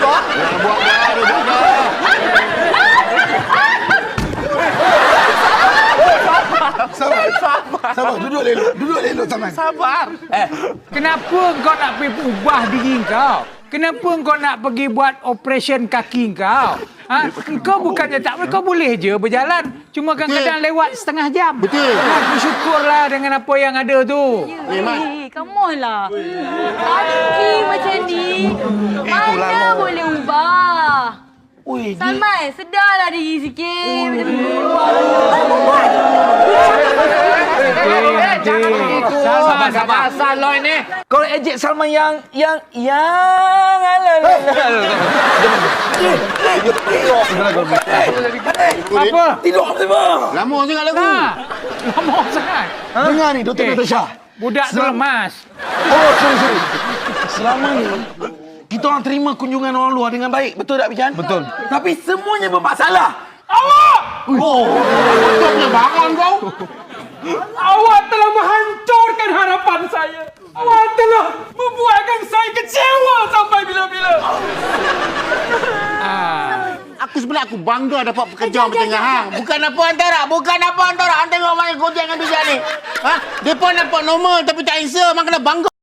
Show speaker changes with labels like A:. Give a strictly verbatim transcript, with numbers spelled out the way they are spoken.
A: buat buat ada jaga.
B: Sabar, sabar. Sabar, duduk elok. Duduk elok Saman.
A: Sabar.
C: Eh, kenapa kau nak pergi ubah diri kau? Kenapa kau nak pergi buat operation kaki kau? Ha? Kau bukannya tak boleh, kau boleh je berjalan. Cuma kadang-kadang lewat setengah jam.
A: Betul.
C: Ha, bersyukurlah dengan apa yang ada tu.
A: Eh, Mat.
D: Eh, come on lah. Kaki macam ni. Mana boleh ubah?
B: Ui,
D: Salman, sedarlah diri sikit. Macam berubah.
C: Sabar, sabar.
E: Asal lo ini. Kau ejek Salman yang yang yang
C: Apa?
B: tidur semua.
A: Lama sangat lagu.
C: Ha, lama sangat.
B: Dengar ni, Doktor
C: Eh.
B: Natasha.
C: Budak tu
B: Selam-
C: lemas.
B: Oh, sorry, sorry. Selama ni, kita orang terima kunjungan orang luar dengan baik. Betul tak, Bijan? Betul. Tapi semuanya bermasalah.
C: Awak!
A: Kau punya bangun kau.
C: Awak telah menghancurkan harapan saya. Awak telah membuatkan saya kecewa sampai bila-bila. Ah.
A: Aku sebenarnya aku bangga dapat pekerja macam hang. Bukan apa antara, bukan apa antara. Hang tengok mana kau dengan bijak ni. Ha? Depa nampak normal tapi tak handsome, hang kena bangga.